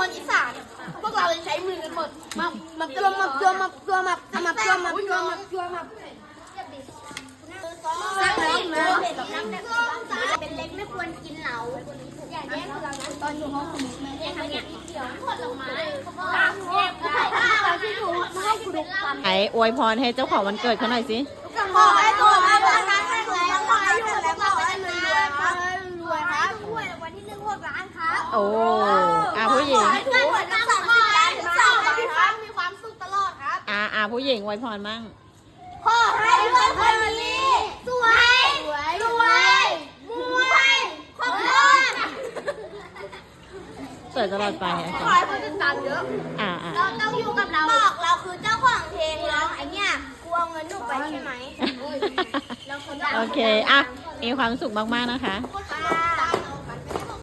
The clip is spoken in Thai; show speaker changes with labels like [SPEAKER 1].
[SPEAKER 1] คนอีสานพวกเราเลยใช้มือกันหมดมาตัวมาตัวมาตัวมาตัวมาตัวมาตัวมาตัวมาเป็นเล็กไม่ควรกินเหลาอย่าแย่งเรานะตอนอยู่ห้องสมุดแย่งทำอย่างเดียวผลไม้ตามแยกได้ตอนที่อยู่มาให้คุณดูความ
[SPEAKER 2] ไอ้อวยพรให้เจ้าของวันเกิดเขาหน่อยสิ
[SPEAKER 1] ขอให้ตัวมาทำงานแข็งแรงขอให้อยู่และขอให้รวยครับรวยครับรวยวันที่1 ล้านครับ
[SPEAKER 2] โอ้ผู้หญิง
[SPEAKER 1] ให้ถูกเหมือนทั้งสองคนทั้งสองเลยครับมีความสุขตลอดครับ
[SPEAKER 2] ผู้หญิงอวยพรมั่ง
[SPEAKER 1] ขอให้เพื่อนคนนี้สวยรวยมวยครบรอบ
[SPEAKER 2] สวยตลอดไป
[SPEAKER 1] ขอให้ผู้ติดตามเยอะ เราต้องอยู่กับเราบอกเราคือเจ้าของเพลงร้องไอเนี้ยกลัวเงินหนูไปใช่ไหม
[SPEAKER 2] โอเคมีความสุขมากๆนะคะ
[SPEAKER 1] ค